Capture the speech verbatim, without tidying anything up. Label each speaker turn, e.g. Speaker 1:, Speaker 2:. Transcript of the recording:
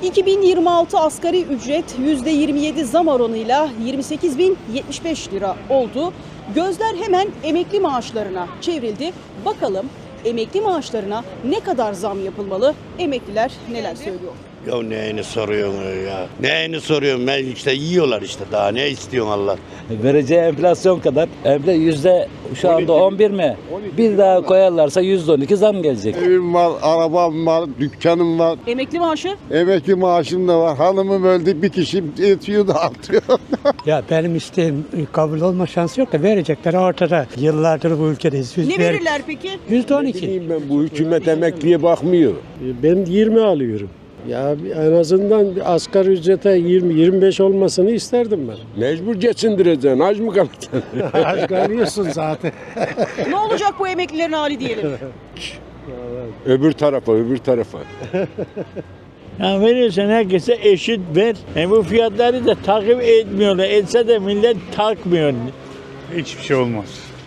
Speaker 1: iki bin yirmi altı asgari ücret yüzde yirmi yedi zam oranıyla yirmi sekiz bin yetmiş beş lira oldu. Gözler hemen emekli maaşlarına çevrildi. Bakalım emekli maaşlarına ne kadar zam yapılmalı? Emekliler neler söylüyor?
Speaker 2: Ya neyini soruyorsun ya? Neyini soruyorsun? Ben işte yiyorlar işte. Daha ne istiyorsun Allah?
Speaker 3: Vereceği enflasyon kadar. Evde yüzde şu anda on bir mi? Bir daha koyarlarsa yüzde on iki zam gelecek.
Speaker 4: Evim var, arabam var, dükkanım var,
Speaker 1: Emekli maaşı
Speaker 4: emekli maaşım da var. Hanımım öldü, bir kişi yetiyor dağıtıyor.
Speaker 5: Ya benim isteğim kabul olma şansı yok da verecekler ortada. Yıllardır bu ülkedeyiz. Biz
Speaker 1: ne
Speaker 5: ver-
Speaker 1: verirler peki?
Speaker 5: yüzde on iki.
Speaker 6: Bileyim ben, bu hükümet emekliye bakmıyor. Ben yirmi alıyorum. Ya en azından bir asgari ücrete yirmi yirmi beş olmasını isterdim ben. Mecbur geçindireceksin. Aç mı kalacaksın?
Speaker 5: Az kalıyorsun zaten.
Speaker 1: Ne olacak bu emeklilerin hali diyelim.
Speaker 6: Öbür tarafa, öbür tarafa.
Speaker 7: Ya verirsen herkese eşit ver. E bu fiyatları da takip etmiyorlar. Etse de millet takmıyor.
Speaker 8: Hiçbir şey olmaz.